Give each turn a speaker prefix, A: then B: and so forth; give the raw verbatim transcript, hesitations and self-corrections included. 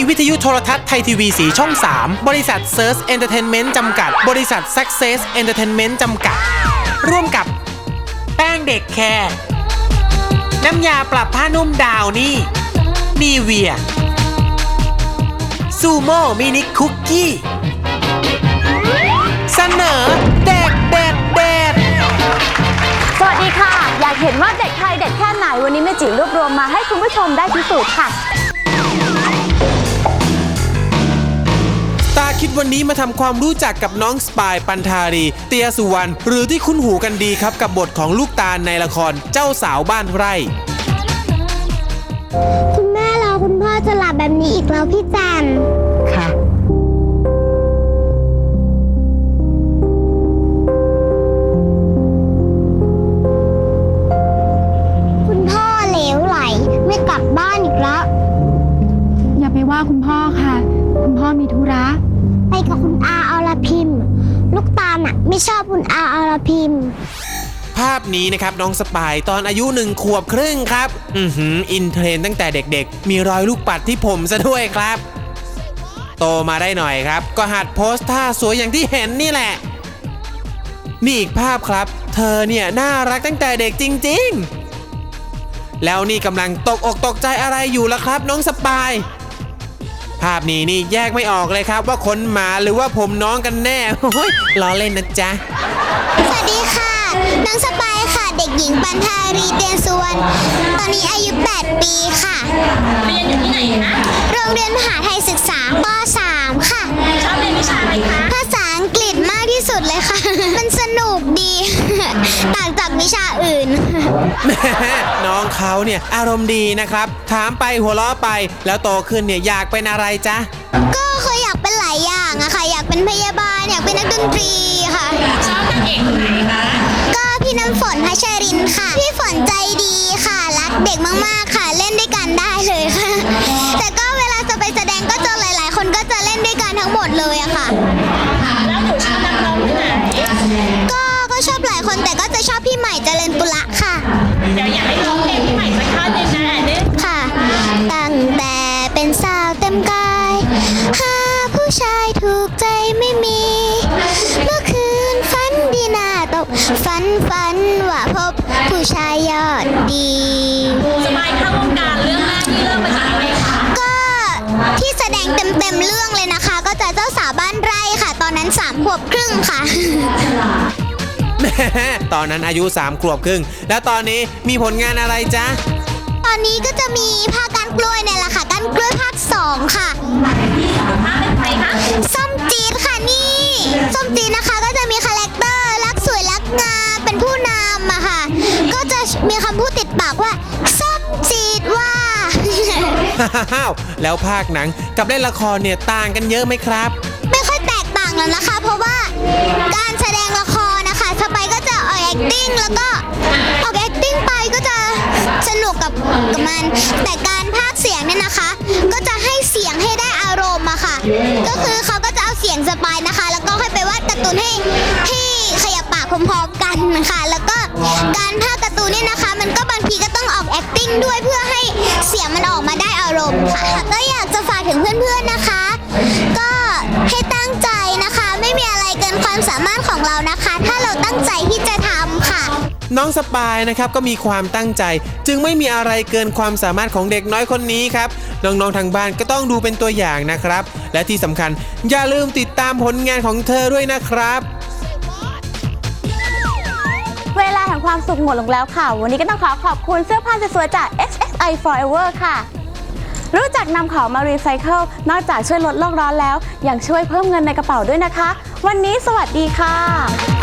A: วิทยุโทรทัศน์ไทยทีวีสีช่องสามบริษัทเซิร์ชเอนเตอร์เทนเมนต์จำกัดบริษัท Success Entertainment จำกัดร่วมกับแป้งเด็กแคร์น้ำยาปรับผ้านุ่มดาวนี่นีเวียซูโม่มินิคุกกี้เสนอเด็กเด็ดเด็ด
B: สวัสดีค่ะอยากเห็นว่าเด็กไทยเด็ดแค่ไหนวันนี้แม่จิ๋วรวบรวมมาให้คุณผู้ชมได้พิสูจน์ค่ะ
A: ตาคิดวันนี้มาทำความรู้จักกับน้องสปายปันธารีเตียสุวรรณหรือที่คุ้นหูกันดีครับกับบทของลูกตาลในละครเจ้าสาวบ้านไร่
C: คุณแม่รอคุณพ่อจะหลับแบบนี้อีกแล้วพี่จันค่ะคุณพ่อเหลวไหลไม่กลับบ้านอีกแล้ว
B: อย่าไปว่าคุณพ่อค่ะคุณพ่อมีธุระ
C: ไปกับคุณอาอรพิมลูกตาลน่ะไม่ชอบคุณอาอรพิม
A: ภาพนี้นะครับน้องสปายตอนอายุหนึ่งขวบครึ่งครับอือหืออินเทรนตั้งแต่เด็กๆมีรอยลูกปัดที่ผมซะด้วยครับโตมาได้หน่อยครับก็หัดโพสท่าสวยอย่างที่เห็นนี่แหละนี่อีกภาพครับเธอเนี่ยน่ารักตั้งแต่เด็กจริงๆแล้วนี่กำลังตกอกตกใจอะไรอยู่ล่ะครับน้องสปายภาพนี้นี่แยกไม่ออกเลยครับว่าขนหมาหรือว่าผมน้องกันแน่โอ้ยล้อเล่นนะจ๊ะ
C: สวัสดีค่ะน้องสปายค่ะเด็กหญิงปันธารีเตียนสุวรรณตอนนี้อายุแปดปีค่ะ
D: เรียนอยู่ที่ไหนคะ
C: โรงเรียนมหาไทยศึกษาป สาม ค่ะ
D: ชอบเรียนวิชาอะไรคะ
C: ภาษาอังกฤษมากที่สุดเลยค่ะมันสนุกดีต่างจากวิชาอื่น
A: แม่น้องเขาเนี่ยอารมณ์ดีนะครับถามไปหัวเราะไปแล้วโตขึ้นเนี่ยอยากเป็นอะไรจ๊ะ
C: ก็เคยอยากเป็นหลายอย่างอะค่ะอยากเป็นพยาบาลอยากเป็นนักดนตรีค่ะ
D: ชอบนางเอกคนไหนคะ
C: ก็พี่น้ำฝนพัชรินค่ะพี่ฝนใจดีค่ะรักเด็กมากๆค่ะเล่นด้วยกันได้เลยค่ะแต่ก็เวลาจะไปแสดงก็เจอหลายๆคนก็จะเล่นด้วยกันทั้งหมดเลยอะค่ะ
D: แล้วหนูชอบนักร้องที่ไหน
C: ก็ก็ชอบหลายคนแต่ก็จะชอบพี่ใหม่เจริญปุระค่ะ
D: เดี๋ยวอยากให้ร้องเพลงพี่ใหม่สักท่อนหนึ่งนะนี่
C: ค่ะตั้งแต่เป็นสาวเต็มกายหาผู้ชายถูกใจไม่มีเมื่อคืนฝันดีน่าตกฝันฝันว่าพบผู้ชายยอดดี
D: สบายเข้าวงการเรื่องแรกที่เริ่มมาจากอะไรคะ
C: ก็ที่แสดงเต็มๆเรื่องเลยนะคะก็จะเจ้าสาวบ้านไร่ค่ะตอนนั้นสามขวบครึ่งค่ะ
A: แม่ตอนนั้นอายุสามขวบครึ่งแล้วตอนนี้มีผลงานอะไรจ๊ะ
C: ตอนนี้ก็จะมีภาคก้านกล้วยเนี่ยแหละค่ะก้านกล้วยภาคสองค่ะ
D: ภาคเป็นใครคะ
C: ส้มจี๊ดค่ะนี่ส้มจี๊ดนะคะก็จะมีคาแรคเตอร์รักสวยรักงามเป็นผู้นำอะค่ะก็จะมีคำพูดติดปากว่าส้มจี๊ดว่า
A: ฮ่าวแล้วภาคหนังกับเล่นละครเนี่ยต่างกันเยอะไหมครับ
C: ไม่ค่อยแตกต่างแล้วนะคะเพราะว่าการแสดงละครนะคะสไปก็จะออก acting แล้วก็ออก acting ไปก็จะสนุกกับกับมันแต่การพากย์เสียงเนี่ยนะคะก็จะให้เสียงให้ได้อารมณ์อะค่ะก็คือเขาก็จะเอาเสียงสไปนะคะแล้วก็ให้ไปวาดการ์ตูนให้ให้ขยับปากพร้อมๆกันนะคะแล้วก็การพากย์การ์ตูนเนี่ยนะคะมันก็บางทีก็ต้องออก acting ด้วยเพื่อให้เสียงมันออกมาได้อารมณ์ค่ะก็อยากจะฝากถึงเพื่อนๆนะคะก็ให้ตั้งใจนะคะไม่มีอะไรเกินความสามารถของเรานะคะถ้าเราตั้งใจที่จะทำค่ะ
A: น้องสปายนะครับก็มีความตั้งใจจึงไม่มีอะไรเกินความสามารถของเด็กน้อยคนนี้ครับน้องๆทางบ้านก็ต้องดูเป็นตัวอย่างนะครับและที่สำคัญอย่าลืมติดตามผลงานของเธอด้วยนะครับ
B: เวลาแห่งความสุขหมดลงแล้วค่ะวันนี้ก็ต้องขอขอบคุณเสื้อผ้าสวยๆจาก เอ็กซ์ เอ็กซ์ ไอ Forever ค่ะรู้จักนำของมารีไซเคิลนอกจากช่วยลดโลกร้อนแล้วยังช่วยเพิ่มเงินในกระเป๋าด้วยนะคะวันนี้สวัสดีค่ะ